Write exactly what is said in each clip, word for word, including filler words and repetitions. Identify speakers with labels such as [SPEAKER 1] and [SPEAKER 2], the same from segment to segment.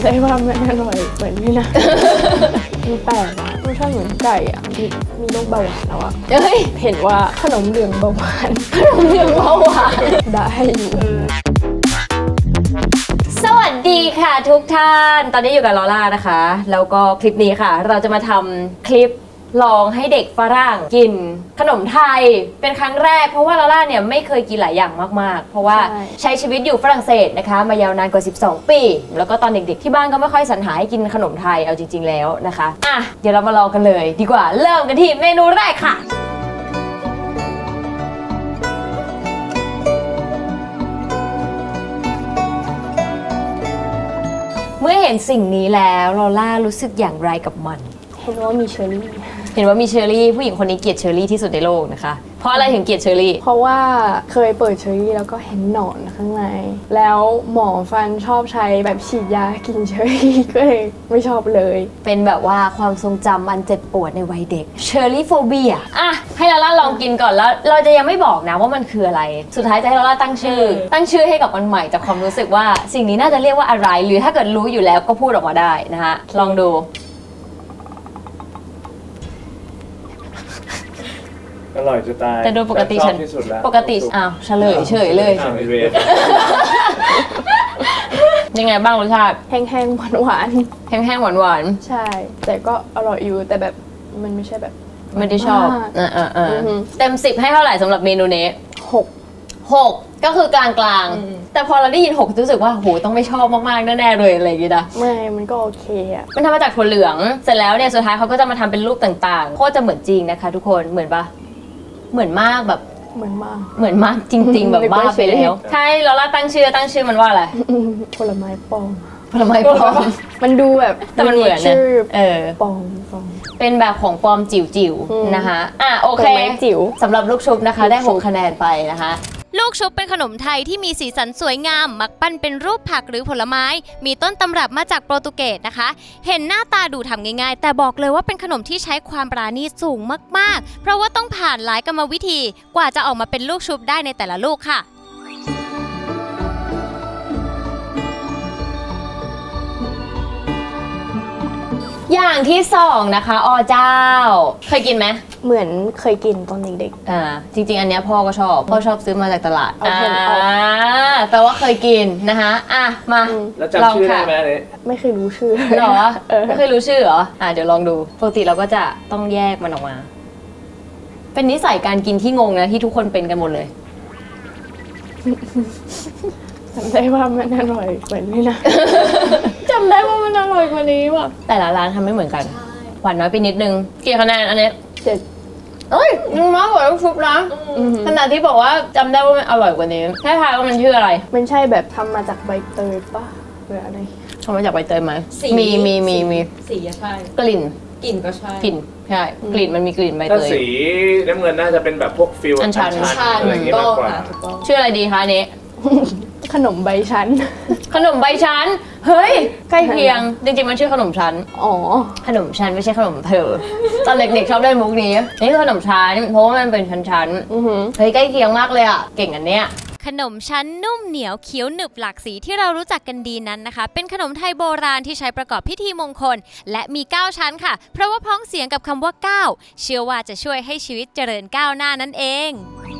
[SPEAKER 1] ำได้ว่ามันอร่อยเหมือนนี่นะมันแปลกอะรสชาติเหมือนไก่อะมีมีโรคเบาหวานแล้วอะเฮ้ยเห็นว่าขนมเหลืองเบาหวานขนมเหลืองเบาหวานได้อยู่
[SPEAKER 2] สวัสดีค่ะทุกท่านตอนนี้อยู่กับลอล่านะคะแล้วก็คลิปนี้ค่ะเราจะมาทำคลิปลองให้เด็กฝรั่งกินขนมไทยเป็นครั้งแรกเพราะว่าลอล่าเนี่ยไม่เคยกินหลายอย่างมากๆเพราะว่าใช้ชีวิตอยู่ฝรั่งเศสนะคะมายาวนานกว่าสิบสองปีแล้วก็ตอนเด็กๆที่บ้านก็ไม่ค่อยสรรหาให้กินขนมไทยเอาจริงๆแล้วนะคะอ่ะเดี๋ยวเรามาลองกันเลยดีกว่าเริ่มกันที่เมนูแรกค่ะเมื่อเห็นสิ่งนี้แล้วลอล่ารู้สึกอย่างไรกับมัน
[SPEAKER 1] เห็นว่ามีเชอร์รี่
[SPEAKER 2] เห็นว่ามีเชอร์รี่ผู้หญิงคนนี้เกลียดเชอร์รี่ที่สุดในโลกนะคะเพราะอะไรถึงเกลียดเชอร์รี่
[SPEAKER 1] เพราะว่าเคยเปิดเชอร์รี่แล้วก็เห็นหนอนข้างในแล้วหมอฟันชอบใช้แบบฉีดยากินเชอร์รี่ก็เลยไม่ชอบเลย
[SPEAKER 2] เป็นแบบว่าความทรงจำอันเจ็บปวดในวัยเด็กเชอร์รี่โฟเบียอ่ะให้ลาล่าลองกินก่อนแล้วเราจะยังไม่บอกนะว่ามันคืออะไรสุดท้ายจะให้ลาล่าตั้งชื่อตั้งชื่อให้กับมันใหม่จากความรู้สึกว่าสิ่งนี้น่าจะเรียกว่าอะไรหรือถ้าเกิดรู้อยู่แล้วก็พูดออกมาได้นะคะลองดู
[SPEAKER 3] อร่อยจะตาย
[SPEAKER 2] แต่โดยปกติฉันปกติอ้าวเฉลยเฉยเลยยังไงบ้างรสชาติ
[SPEAKER 1] แห้งๆหวานหวาน
[SPEAKER 2] แห้งๆหวานหวาน
[SPEAKER 1] ใช่แต่ก็อร่อยอยู่แต่แบบมันไม่ใช่แบบ
[SPEAKER 2] ไม่ได้ชอบอ่าอ่าอ่าเต็มสิบให้เท่าไหร่สำหรับเมนูนี้
[SPEAKER 1] หก
[SPEAKER 2] หกก็คือกลางๆแต่พอเราได้ยินหกรู้สึกว่าโหต้องไม่ชอบมากๆแน่ๆเลยอะไรอย่างเงี้ยนะ
[SPEAKER 1] ไม่มันก็โอเคอะ
[SPEAKER 2] มันทำมาจากถั่วเหลืองเสร็จแล้วเนี่ยสุดท้ายเขาก็จะมาทำเป็นรูปต่างๆโคตรจะเหมือนจริงนะคะทุกคนเหมือนปะเหมือนมากแบบ
[SPEAKER 1] เหมือนมาก
[SPEAKER 2] เหมือนมากจริงๆแบบบ้าไปแล้วใช่เราล่าตั้งชื่อตั้งชื่อมันว่าอะไร
[SPEAKER 1] ผลไม้ปลอม
[SPEAKER 2] ผลไม้ปลอม
[SPEAKER 1] มันดูแบบ
[SPEAKER 2] แต่มันเหมือนชื่อเออ
[SPEAKER 1] ปลอมปลอม
[SPEAKER 2] เป็นแบบของปลอมจิ๋วๆนะคะอ่ะโอเค
[SPEAKER 1] จิ๋ว
[SPEAKER 2] สำหรับลูกชุบนะคะได้หกคะแนนไปนะคะ
[SPEAKER 4] ลูกชุบเป็นขนมไทยที่มีสีสันสวยงามมักปั้นเป็นรูปผักหรือผลไม้มีต้นตำรับมาจากโปรตุเกสนะคะเห็นหน้าตาดูทำง่ายๆแต่บอกเลยว่าเป็นขนมที่ใช้ความปราณีตสูงมากๆเพราะว่าต้องผ่านหลายกรรมวิธีกว่าจะออกมาเป็นลูกชุบได้ในแต่ละลูกค่ะ
[SPEAKER 2] อย่างที่สองนะคะอเจ้าเคยกินไหม
[SPEAKER 1] เหมือนเคยกินตอนเด็ก
[SPEAKER 2] ๆอ่าจริงๆอันเนี้ยพ่อก็ชอบพ่อชอบซื้อมาจากตลาด
[SPEAKER 1] เอาเห็นออก
[SPEAKER 2] แปลว่าเคยกินนะคะอ่ะมา
[SPEAKER 3] แล้วจำชื่อได้ไหมเนี่ย
[SPEAKER 1] ไม่เคยรู้ชื่อ
[SPEAKER 2] หรอไม่เคยรู้ชื่อเหรออ่ะเดี๋ยวลองดูปกติเราก็จะต้องแยกมันออกมาเป็นนิสัยการกินที่งงนะที่ทุกคนเป็นกันหมดเลย
[SPEAKER 1] จำได้ว่ามันอร่อยกว่านี้นะจำได้ว่ามันอร่อยกว่านี้ว่ะ
[SPEAKER 2] แต่ละร้านทำไม่เหมือนกันหวานน้อยไปนิดนึงกี่คะแนนอันนี้
[SPEAKER 1] เจ็ด
[SPEAKER 2] เอ้ยยังมากกว่าลูกชุบนะขนาดที่บอกว่าจำได้ว่ามันอร่อยกว่านี้ให้ทายว่ามันชื่ออะไร
[SPEAKER 1] มันใช่แบบทำมาจากใบเตยปะหรืออะไร
[SPEAKER 2] ทำมาจากใบเตยไหมมีมีมีมี
[SPEAKER 5] สีใช่
[SPEAKER 2] กลิ่น
[SPEAKER 5] กลิ่นก็ใช่
[SPEAKER 2] กลิ่นใช่กลิ่นมันมีกลิ่นใบเตย
[SPEAKER 3] ถ้าสีน้ำเงินน่าจะเป็นแบบพวกฟิล
[SPEAKER 2] อัญชัน
[SPEAKER 3] อะไรอย่างเงี้ยมากกว่า
[SPEAKER 2] ชื่ออะไรดีคะอันนี้
[SPEAKER 1] ขนมใบชั้น
[SPEAKER 2] ขนมใบชั้นเฮ้ยใกล้เคียงจริงๆมันชื่อขนมชั้น
[SPEAKER 1] อ๋อ
[SPEAKER 2] ขนมชั้นไม่ใช่ขนมเธอตอนเด็กๆชอบเล่นมุกนี้นี่คือขนมชั้นเพราะว่ามันเป็นชั้นๆเฮ้ยใกล้เคียงมากเลยอ่ะเก่งอันเนี้ย
[SPEAKER 4] ขนมชั้นนุ่มเหนียวเขียวหนึบหลากสีที่เรารู้จักกันดีนั้นนะคะเป็นขนมไทยโบราณที่ใช้ประกอบพิธีมงคลและมีเก้าชั้นค่ะเพราะว่าพ้องเสียงกับคำว่าเก้าเชื่อว่าจะช่วยให้ชีวิตเจริญก้าวหน้านั่นเอง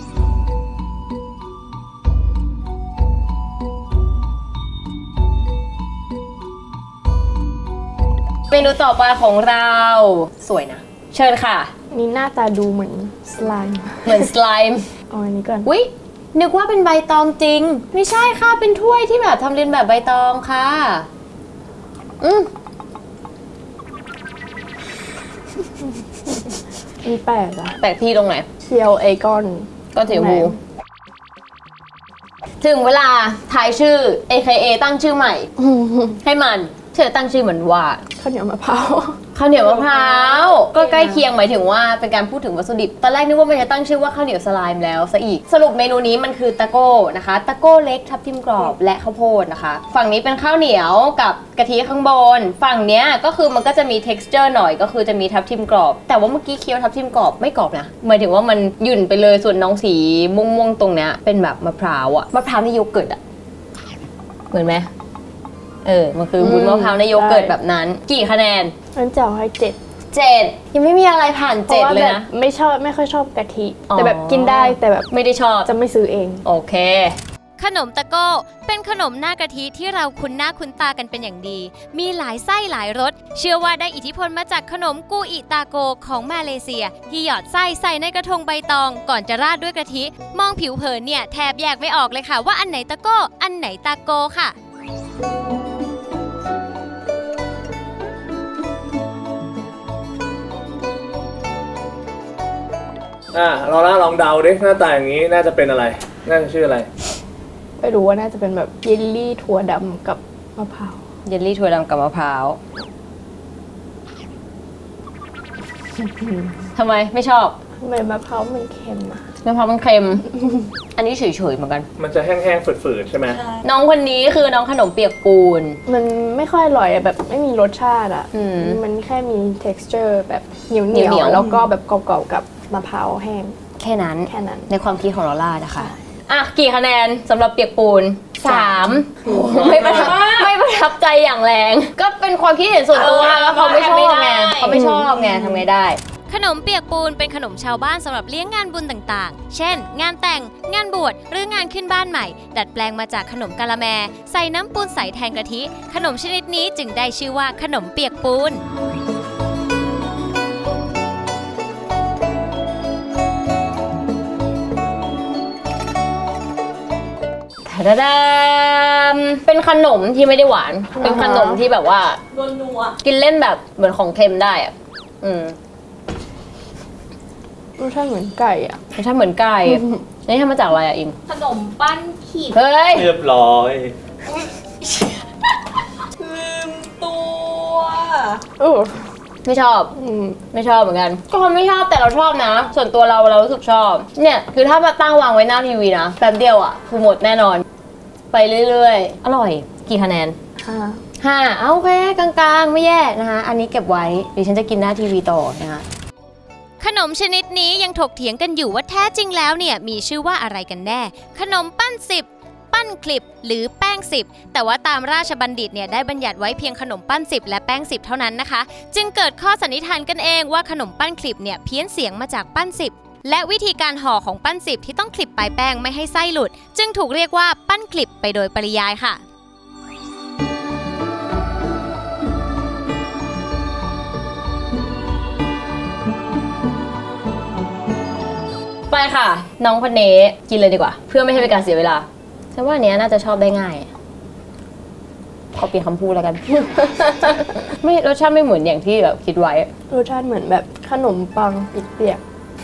[SPEAKER 2] เมนูต่อไปของเราสวยนะเชิญค่ะ
[SPEAKER 1] นี่หน้าตาดูเหมือนสไลม์
[SPEAKER 2] เหมือนสไลม์
[SPEAKER 1] เอาอันนี้ก่อน
[SPEAKER 2] อุ๊ยนึกว่าเป็นใบตองจริงไม่ใช่ค่ะเป็นถ้วยที่แบบทำเรียนแบบใบตองค่ะอืม
[SPEAKER 1] มีแปลกอะ
[SPEAKER 2] แปลกที่ตรงไหน
[SPEAKER 1] เคียวเอคอน
[SPEAKER 2] ก็เถียวหูถึงเวลาทายชื่อ เอ เค เอ ตั้งชื่อใหม่ให้มันเธอตั้งชื่อเหมือนว่า
[SPEAKER 1] ข้าวเหนียวมะพร้าว
[SPEAKER 2] ข้าวเหนียวมะพร้าวก็ใกล้เคียงหมายถึงว่าเป็นการพูดถึงวัตถุดิบตอนแรกนึกว่ามันจะตั้งชื่อว่าข้าวเหนียวสไลม์แล้วซะอีกสรุปเมนูนี้มันคือตะโก้นะคะตะโก้เล็กทับทิมกรอบและข้าวโพดนะคะฝั่งนี้เป็นข้าวเหนียวกับกะทิข้างบนฝั่งเนี้ยก็คือมันก็จะมี texture หน่อยก็คือจะมีทับทิมกรอบแต่ว่าเมื่อกี้เคี้ยวทับทิมกรอบไม่กรอบนะหมายถึงว่ามันหยุ่นไปเลยส่วนน้องสีม่วงๆตรงเนี้ยเป็นแบบมะพร้าวอะมะพร้าวในโยเกิร์ตอะเหมือนไหมเออมันคือวุ้นมะพร้าวในโยเกิร์ตแบบนั้น กี่คะแนน
[SPEAKER 1] งั้นจะเอาให้เจ็ด
[SPEAKER 2] เจ็ดยังไม่มีอะไรผ่านเจ็ดเลยนะ
[SPEAKER 1] ไม่ชอบไม่ค่อยชอบกะทิ
[SPEAKER 2] อ๋อ
[SPEAKER 1] แต่แบบกินได้แต่แบบ
[SPEAKER 2] ไม่ได้ชอบ
[SPEAKER 1] จะไม่ซื้อเอง
[SPEAKER 2] โอเค
[SPEAKER 4] ขนมตะโก้เป็นขนมหน้ากะทิที่เราคุ้นหน้าคุ้นตากันเป็นอย่างดี มีหลายไส้หลายรส เชื่อว่าได้อิทธิพลมาจากขนมกูอิตาโกของมาเลเซีย ที่หยอดไส้ใส่ในกระทงใบตอง ก่อนจะราดด้วยกะทิ มองผิวเผินเนี่ยแทบแยกไม่ออกเลยค่ะว่าอันไหนตะโก้อันไหนตาโกค่ะ
[SPEAKER 3] อ่ะเราล่าลองเดาดิหน้าตาอย่างนี้น่าจะเป็นอะไร น่าจะชื่ออะไร
[SPEAKER 1] ไม่รู้ว่าน่าจะเป็นแบบเยลลี่ถั่วดำกับมะพร้าว
[SPEAKER 2] เยลลี่ถั่วดำกับมะพร้าวทำไมไม่ชอบ
[SPEAKER 1] ทำไมมะพร้าวมันเค็มอะ
[SPEAKER 2] มะพร้าวมันเค็ม อันนี้เฉยๆเหมือนกัน
[SPEAKER 3] มันจะแห้งๆฝืดๆใช่ไหม
[SPEAKER 2] น้องคนนี้คือน้องขนมเปียกปูน
[SPEAKER 1] มันไม่ค่อยอร่อยอะแบบไม่มีรสชาติอะ
[SPEAKER 2] อืม
[SPEAKER 1] มันแค่มี texture แบบเหนียวเห
[SPEAKER 2] เหนี
[SPEAKER 1] นี
[SPEAKER 2] ย
[SPEAKER 1] ยว วแล้วก็แบบกรอบๆกับมะพร้าวแห้ง
[SPEAKER 2] แค่นั้น
[SPEAKER 1] แค่นั้น
[SPEAKER 2] ในความคิดของลอล่านะคะ อ่ะ กี่คะแนนสำหรับเปียกปูนสามไม่ประทับไม่ประทับใจอย่างแรง ก็เป็นความคิดเห็นส่วนตัวแล้วเขาไม่ชอบไงเขาไม่ชอบไงทำไงได้
[SPEAKER 4] ขนมเปียกปูนเป็นขนมชาวบ้านสำหรับเลี้ยงงานบุญต่างๆ เช่น งานแต่ง งานบวช หรืองานขึ้นบ้านใหม่ ดัดแปลงมาจากขนมกะละแม ใส่น้ำปูนใสแทนกะทิ ขนมชนิดนี้จึงได้ชื่อว่าขนมเปียกปูน
[SPEAKER 2] ดาดามเป็นขนมที่ไม่ได้หวาน เป็นขนมที่แบบว่านัวกินเล่นแบบเหมือนของเค็มได้อะอืม
[SPEAKER 1] รสชาติเหมือนไก่อะ
[SPEAKER 2] รสชาติเหมือนไก่ นี่ทำมาจากอะไรอะอิม
[SPEAKER 5] ขนมปั้นขีด
[SPEAKER 2] เฮ้ย
[SPEAKER 3] เรียบร้อย
[SPEAKER 5] ลืมตัว
[SPEAKER 1] เออ
[SPEAKER 2] ไม่ชอบ
[SPEAKER 1] อืม
[SPEAKER 2] ไม่ชอบเหมือนกัน ก็คนไม่ชอบแต่เราชอบนะ ส่วนตัวเราเรารู้สึกชอบ เนี่ยคือถ้ามาตั้งวางไว้หน้าทีวีนะแป๊บเดียวอ่ะคือหมดแน่นอน ไปเรื่อยๆ อร่อย กี่คะแนน
[SPEAKER 1] ห้า
[SPEAKER 2] ห้าเอาโอเคกลางๆ ไม่แย่นะคะอันนี้เก็บไว้ดิฉันจะกินหน้าทีวีต่อนะคะ
[SPEAKER 4] ขนมชนิดนี้ยังถกเถียงกันอยู่ว่าแท้จริงแล้วเนี่ยมีชื่อว่าอะไรกันแน่ ขนมปั้นสิบ ปั้นคลิป หรือแป้งสิบ แต่ว่าตามราชบัณฑิตเนี่ยได้บัญญัติไว้เพียงขนมปั้นสิบและแป้งสิบเท่านั้นนะคะ จึงเกิดข้อสันนิษฐานกันเองว่าขนมปั้นคลิปเนี่ยเพี้ยนเสียงมาจากปั้นสิบ และวิธีการห่อของปั้นสิบที่ต้องคลิปปลายแป้งไม่ให้ไส้หลุด จึงถูกเรียกว่าปั้นคลิปไปโดยปริยายค่ะ
[SPEAKER 2] ไปค่ะ น้องคนนี้กินเลยดีกว่า เพื่อไม่ให้เป็นการเสียเวลาฉันว่าอันเนี้ยน่าจะชอบได้ง่ายขอเปลี่ยนคำพูดแล้วกัน ไม่รสชาติไม่เหมือนอย่างที่แบบคิดไว้
[SPEAKER 1] รสชาติเหมือนแบบขนมปังเปียก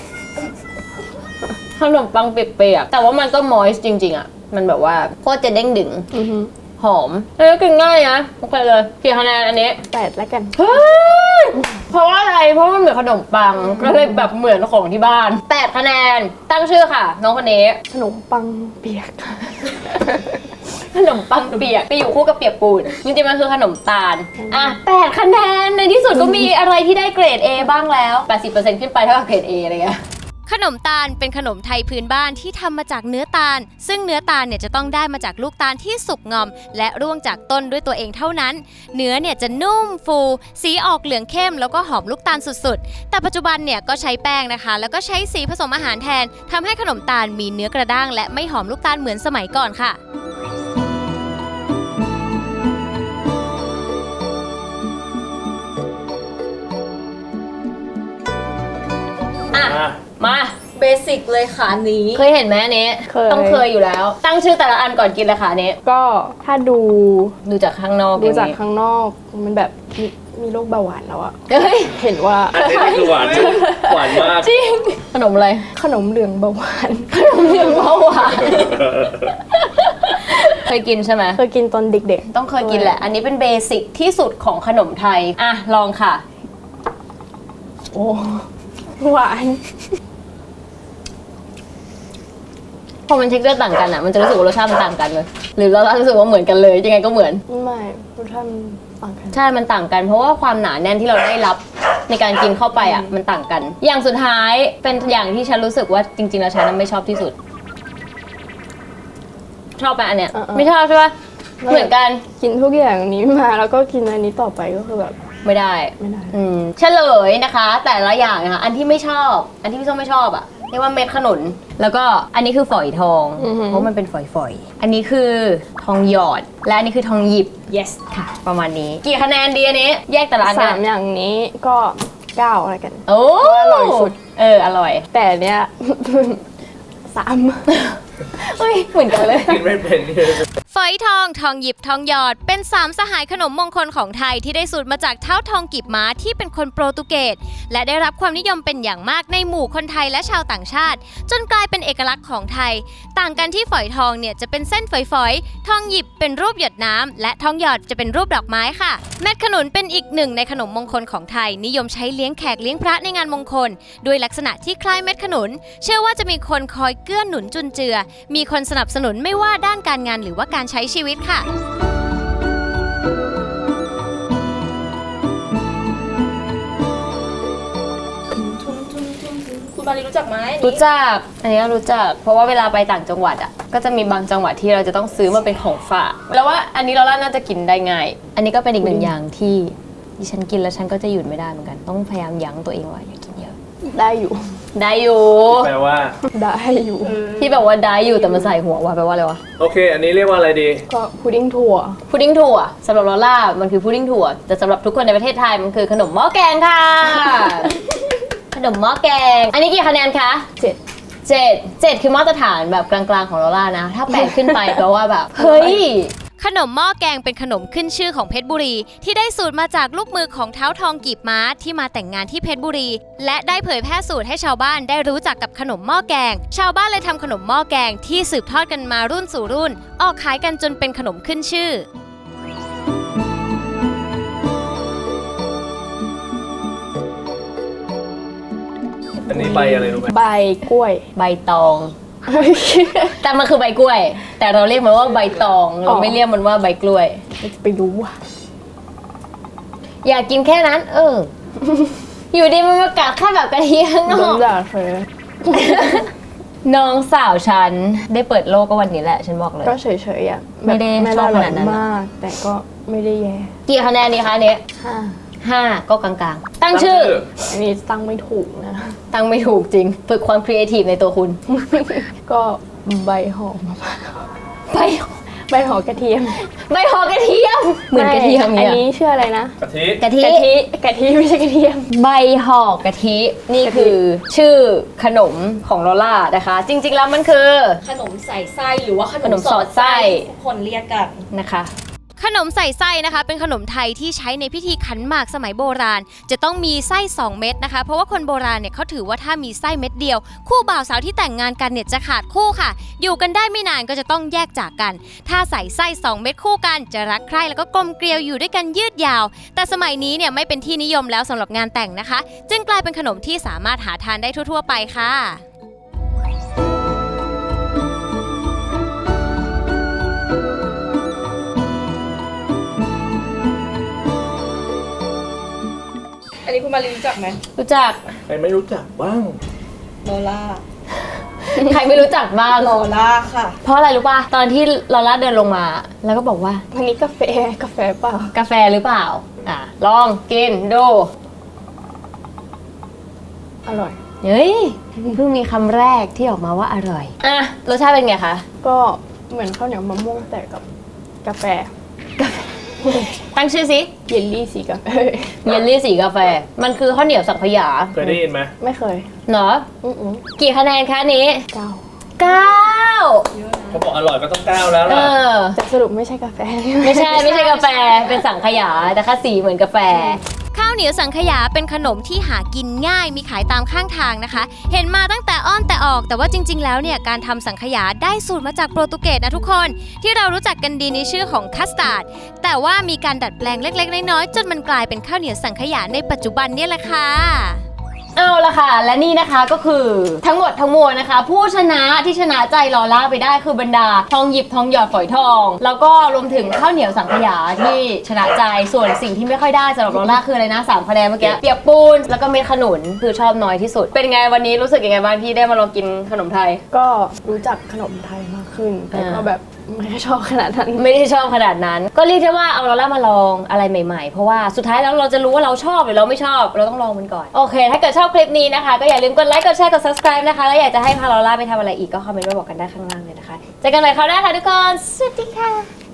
[SPEAKER 2] ขนมปังเปียกๆแต่ว่ามันก็มอยส์จริงๆอ่ะมันแบบว่าโคตรจะเด้งดึง
[SPEAKER 1] ๆอือฮึ
[SPEAKER 2] หอมแล้วก็กินง่ายนะโอเคเลยกี่คะแนนอันนี้
[SPEAKER 1] แปดแล้วกัน
[SPEAKER 2] เฮ้ยเพราะว่าอะไร เพราะว่ามันเหมือนขนมปัง ก็เลยแบบเหมือนของที่บ้านแปดคะแนน ตั้งชื่อค่ะ น้องคนนี้
[SPEAKER 1] ขนมปังเปียก
[SPEAKER 2] ขนมปังเปียกไปอยู่คู่กับเปียกปูนจริงๆมันคือขนมตาล อ่ะแปดคะแนน ในที่สุดก็มีอะไรที่ได้เกรด A บ้างแล้ว แปดสิบเปอร์เซ็นต์ ขึ้นไปเท่ากับเกรด A อะไรเงี้ย
[SPEAKER 4] ขนมตาลเป็นขนมไทยพื้นบ้านที่ทำมาจากเนื้อตาล ซึ่งเนื้อตาลเนี่ยจะต้องได้มาจากลูกตาลที่สุกงอม และร่วงจากต้นด้วยตัวเองเท่านั้น เนื้อเนี่ยจะนุ่มฟู สีออกเหลืองเข้มแล้วก็หอมลูกตาลสุดๆ แต่ปัจจุบันเนี่ยก็ใช้แป้งนะคะ แล้วก็ใช้สีผสมอาหารแทนทำให้ขนมตาลมีเนื้อกระด้างและไม่หอมลูกตาลเหมือนสมัยก่อนค่ะ
[SPEAKER 2] อ่ะ
[SPEAKER 3] อ่ะ
[SPEAKER 2] มา
[SPEAKER 5] เบสิกเลยค่ะอันนี้
[SPEAKER 2] เคยเห็นไหมอันนี้
[SPEAKER 1] เคย
[SPEAKER 2] ต้องเคยอยู่แล้ว ตั้งชื่อแต่ละอันก่อนกินเลยค่ะอันนี้
[SPEAKER 1] ก็ถ้าดู
[SPEAKER 2] ดูจากข้างนอก
[SPEAKER 1] ดู
[SPEAKER 2] อย่
[SPEAKER 1] จาก
[SPEAKER 2] นี้
[SPEAKER 1] ข้างนอกมันแบบมีมีโรคเบาหวานแล้วอะ
[SPEAKER 2] เฮ้ย
[SPEAKER 1] เห็นว่า
[SPEAKER 3] อันนี้นี่คือหวานจริงหวานมาก
[SPEAKER 2] จริง ขนมอะไร
[SPEAKER 1] ขนมเหลืองเบาหวาน
[SPEAKER 2] ขนมเหลืองเบาหวาน เคยกินใช่ไหม
[SPEAKER 1] เคยกินตอนเด็ก
[SPEAKER 2] ต้องเคยกินแหละ อันนี้เป็นเบสิกที่สุดของขนมไทย อ่ะ ลองค่ะ
[SPEAKER 1] ๆ โอ้หวาน
[SPEAKER 2] พอมันเท็กเจอร์ต่างกันอ่ะ มันจะรู้สึกว่ารสชาติมันต่างกันเลย หรือเรารู้สึกว่าเหมือนกันเลยยังไงก็เหมือน
[SPEAKER 1] ไม่รสชาติมันต่างกัน
[SPEAKER 2] ใช่ มันต่างกัน เพราะว่าความหนาแน่นที่เราได้รับในการกินเข้าไปอ่ะ มันต่างกัน อย่างสุดท้ายเป็นอย่างที่ฉันรู้สึกว่าจริงๆแล้วฉันไม่ชอบที่สุด ชอบไหมอันเนี้ย ไม่ชอบใช่ปะเหมือนกัน
[SPEAKER 1] กินทุกอย่างนี้มาแล้วก็กินอันนี้ต่อไปก็คือแบบ
[SPEAKER 2] ไม่ได้
[SPEAKER 1] ไม่ได้
[SPEAKER 2] อืมเฉลยนะคะ แต่ละอย่างนะคะอันที่ไม่ชอบ อันที่พี่ส้มไม่ชอบอะเรียกว่าเม็ดขนุน แล้วก็อันนี้คือฝอยทอง เพราะมันเป็นฝอยๆ อันนี้คือทองหยอด และอันนี้คือทองหยิบ
[SPEAKER 5] yes
[SPEAKER 2] ค่ะ ประมาณนี้ กี่คะแนนดีอันนี้ แยกแต่ละอัน
[SPEAKER 1] สา
[SPEAKER 2] กั
[SPEAKER 1] ม
[SPEAKER 2] น
[SPEAKER 1] อย่างนี้ก็เก้าอะไรกัน
[SPEAKER 2] โอ้
[SPEAKER 1] อร่อยสุด
[SPEAKER 2] เออ อร่อย
[SPEAKER 1] แต่เนี้ย สาม
[SPEAKER 2] เฮ้ย เหมือนกันเลย
[SPEAKER 3] กินไม่เป็นนี่
[SPEAKER 4] ฝอยทอง ทองหยิบ ทองหยอด เป็นสามสหายขนมมงคลของไทยที่ได้สูตรมาจากเท้าทองกีบม้าที่เป็นคนโปรตุเกสและได้รับความนิยมเป็นอย่างมากในหมู่คนไทยและชาวต่างชาติ จนกลายเป็นเอกลักษณ์ของไทย ต่างกันที่ฝอยทองเนี่ยจะเป็นเส้นฝอยๆ ทองหยิบเป็นรูปหยดน้ำและทองหยอดจะเป็นรูปดอกไม้ค่ะ เม็ดขนุนเป็นอีกหนึ่งในขนมมงคลของไทย นิยมใช้เลี้ยงแขกเลี้ยงพระในงานมงคลด้วยลักษณะที่คล้ายเม็ดขนุน เชื่อว่าจะมีคนคอยเกื้อหนุนจุนเจือ มีคนสนับสนุนไม่ว่าด้านการงานหรือว่าการใช้ชีวิตค่ะ
[SPEAKER 5] คุณมารีรู้จักไหมอันนี้
[SPEAKER 2] รู้จัก อันนี้รู้จัก เพราะว่าเวลาไปต่างจังหวัดอ่ะ ก็จะมีบางจังหวัดที่เราจะต้องซื้อมาเป็นของฝาก แล้วว่าอันนี้เราล่าน่าจะกินได้ง่าย อันนี้ก็เป็นอีกหนึ่งอย่างที่ดิฉันกินแล้วฉันก็จะหยุดไม่ได้เหมือนกัน ต้องพยายามยั้งตัวเองไว้อย่ากินเยอะ
[SPEAKER 1] ได้อยู่
[SPEAKER 2] ได้อยู่
[SPEAKER 3] แปลว่า
[SPEAKER 1] ได้อยู่
[SPEAKER 2] ที่แบบว่าได้อยู่แต่มันใส่หัวว่าแปลว่าอะไรวะ
[SPEAKER 3] โอเค อันนี้เรียกว่าอะไรดี
[SPEAKER 1] ก็พุดดิ้งถั่ว
[SPEAKER 2] พุดดิ้งถั่วสำหรับลอล่ามันคือพุดดิ้งถั่ว แต่สำหรับทุกคนในประเทศไทยมันคือขนมหม้อแกงค่ะ ขนมหม้อแกง อันนี้กี่คะแนนคะ
[SPEAKER 1] เจ็ด
[SPEAKER 2] เจ็ดเจ็ดคือมาตรฐานแบบกลางๆของลอล่านะ ถ้าแปดขึ้นไปแปลว่าแบบ เฮ้ย
[SPEAKER 4] ขนมหม้อแกงเป็นขนมขึ้นชื่อของเพชรบุรี ที่ได้สูตรมาจากลูกมือของเท้าทองกีบม้าที่มาแต่งงานที่เพชรบุรี และได้เผยแพร่สูตรให้ชาวบ้านได้รู้จักกับขนมหม้อแกง ชาวบ้านเลยทำขนมหม้อแกงที่สืบทอดกันมารุ่นสู่รุ่น ออกขายกันจนเป็นขนมขึ้นชื่อ
[SPEAKER 3] อันนี้ใบอะไรรู้ไหม
[SPEAKER 1] ใบกล้วย
[SPEAKER 2] ใบตอง แต่มันคือใบกล้วย แต่เราเรียกมันว่าใบตอง เราไม่เรียกมันว่าใบกล้วย
[SPEAKER 1] ไปรู้อ่ะ
[SPEAKER 2] อยากกินแค่นั้น เออ อยู่ดีมันมากัดแค่แบบกะทิข้างน
[SPEAKER 1] โด
[SPEAKER 2] อน ก
[SPEAKER 1] ด่าเธอ
[SPEAKER 2] น้องสาวฉันได้เปิดโลกก็วันนี้แหละ ฉันบอกเลย
[SPEAKER 1] ก็เฉยๆอ่ะ
[SPEAKER 2] ไม่ได้
[SPEAKER 1] แบบ
[SPEAKER 2] ชอบ
[SPEAKER 1] ร่
[SPEAKER 2] ขนาดนั้น
[SPEAKER 1] มาก แต่ก็ไม่ได้แย่
[SPEAKER 2] กี่คะแนนดีคะเนี่ย
[SPEAKER 1] ห้า
[SPEAKER 2] ห้าก็กลางๆ ตั้งชื่อ
[SPEAKER 1] อันนี้ตั้งไม่ถูกนะ
[SPEAKER 2] ตั้งไม่ถูกจริง ฝึกความครีเอทีฟในตัวคุณ
[SPEAKER 1] ก็ใบหอมมะพร้าว
[SPEAKER 2] ใบ
[SPEAKER 1] ใบหอมกระเทียม
[SPEAKER 2] ใบหอกระเทียม เหมือนกระเทียม
[SPEAKER 1] อัน
[SPEAKER 2] เนี่ย
[SPEAKER 1] นี้ชื่ออะไรนะ
[SPEAKER 3] กะทิ
[SPEAKER 2] กะทิ
[SPEAKER 1] กะทิกะทิไม่ใช่กระเทียม
[SPEAKER 2] ใบหอกกะทิ นี่คือชื่อขนมของลอล่านะคะ จริงๆแล้วมันคือ
[SPEAKER 5] ขนมใส่ไส้หรือว่าขน
[SPEAKER 2] ขน
[SPEAKER 5] ม
[SPEAKER 2] มสอดไส้
[SPEAKER 5] ทุกคนเรียกกัน
[SPEAKER 2] นะคะ
[SPEAKER 4] ขนมใส่ไส้นะคะเป็นขนมไทยที่ใช้ในพิธีขันหมากสมัยโบราณ จะต้องมีไส้สองเม็ดนะคะเพราะว่าคนโบราณเนี่ยเขาถือว่าถ้ามีไส้เม็ดเดียว คู่บ่าวสาวที่แต่งงานกันเนี่ยจะขาดคู่ค่ะ อยู่กันได้ไม่นานก็จะต้องแยกจากกัน ถ้าใส่ไส้สองเม็ดคู่กันจะรักใคร่แล้วก็กลมเกลียวอยู่ด้วยกันยืดยาว แต่สมัยนี้เนี่ยไม่เป็นที่นิยมแล้วสำหรับงานแต่งนะคะ จึงกลายเป็นขนมที่สามารถหาทานได้ทั่วๆไปค่ะ
[SPEAKER 5] อันนี้คุณมารีรู้จักไหม
[SPEAKER 2] รู้จัก
[SPEAKER 3] ใครไม่รู้จักบ้าง
[SPEAKER 5] โลล่า
[SPEAKER 2] ใครไม่รู้จักบ้าง
[SPEAKER 5] โลล่าค่ะ
[SPEAKER 2] เพราะอะไรรู้ป่ะ ตอนที่ลอล่าเดินลงมา แล้วก็บอกว่า
[SPEAKER 1] อันนี้กาแฟกาแฟเปล่าก
[SPEAKER 2] าแฟหรือเปล่า อ่ะ ลองกินดู
[SPEAKER 1] อร่อย
[SPEAKER 2] เฮ้ย เพิ่งมีคำแรกที่ออกมาว่าอร่อย อ่ะ รสชาติเป็นไงคะ
[SPEAKER 1] ก็เหมือนข้าวเหนียวมะม่วงแต่กับกาแฟ
[SPEAKER 2] ตั้งชื่อสิ
[SPEAKER 1] เยลลี่สีกาแฟ
[SPEAKER 2] เยลลี่สีกาแฟ มันคือข้าวเหนียวสังขยา
[SPEAKER 3] เคยได้ยินไหม
[SPEAKER 1] ไม่เคย
[SPEAKER 2] เนาะ
[SPEAKER 1] อืออือ
[SPEAKER 2] กี่คะแนนคะอันนี้
[SPEAKER 1] เก้า
[SPEAKER 2] เก้า
[SPEAKER 3] เขาบอกอร่อยก็ต้องก้าวแล้ว
[SPEAKER 2] เอ
[SPEAKER 3] ล่ะ
[SPEAKER 2] อ
[SPEAKER 1] แต่สรุปไม่ใช่กาแฟ
[SPEAKER 2] ไม่ใช่ไม่ใช่กาแฟ เป็นสังขยา แต่ค่าสีเหมือนกาแฟ
[SPEAKER 4] ข้าวเหนียวสังขยาเป็นขนมที่หากินง่ายมีขายตามข้างทางนะคะ เห็นมาตั้งแต่อ้อนแต่ออกแต่ว่าจริงๆแล้วเนี่ยการทำสังขยาได้สูตรมาจากโปรตุเกสนะทุกคน ที่เรารู้จักกันดีในชื่อของคัสตาร์ดแต่ว่ามีการดัดแปลงเล็กๆน้อยๆจนมันกลายเป็นข้าวเหนียวสังขยาในปัจจุบันเนี่ยแหละค่ะ
[SPEAKER 2] เอาละค่ะ และนี่นะคะก็คือทั้งหมดทั้งมวลนะคะ ผู้ชนะที่ชนะใจลอล่าไปได้คือบรรดาทองหยิบทองหยอดฝอยทอง แล้วก็รวมถึงข้าวเหนียวสังขยาที่ชนะใจส่วนสิ่งที่ไม่ค่อยได้สำหรับลอล่าคืออะไรนะสามคะแนนเมื่อกี้เปียกปูนแล้วก็เม็ดขนุนคือชอบน้อยที่สุด เป็นไงวันนี้รู้สึกยังไงบ้างที่ได้มาลองกินขนมไทย
[SPEAKER 1] ก็รู้จักขนมไทยมากขึ้น แต่ก็
[SPEAKER 2] อ่า
[SPEAKER 1] แบบไม่ได้ชอบขนาดนั้น
[SPEAKER 2] ไม่ได้ชอบขนาดนั้น ก็เรียกได้ว่าเอาลอล่ามาลองอะไรใหม่ๆ เพราะว่าสุดท้ายแล้วเราจะรู้ว่าเราชอบหรือเราไม่ชอบเราต้องลองมันก่อน โอเค ถ้าเกิดชอบคลิปนี้นะคะก็อย่าลืมกดไลค์กดแชร์กด subscribe นะคะแล้วอยากจะให้พาลอล่าไปทำอะไรอีกก็คอมเมนต์มาบอกกันได้ข้างล่างเลยนะคะเจอกันใหม่คราวหน้าค่ะทุกคนสวัสดีค่ะ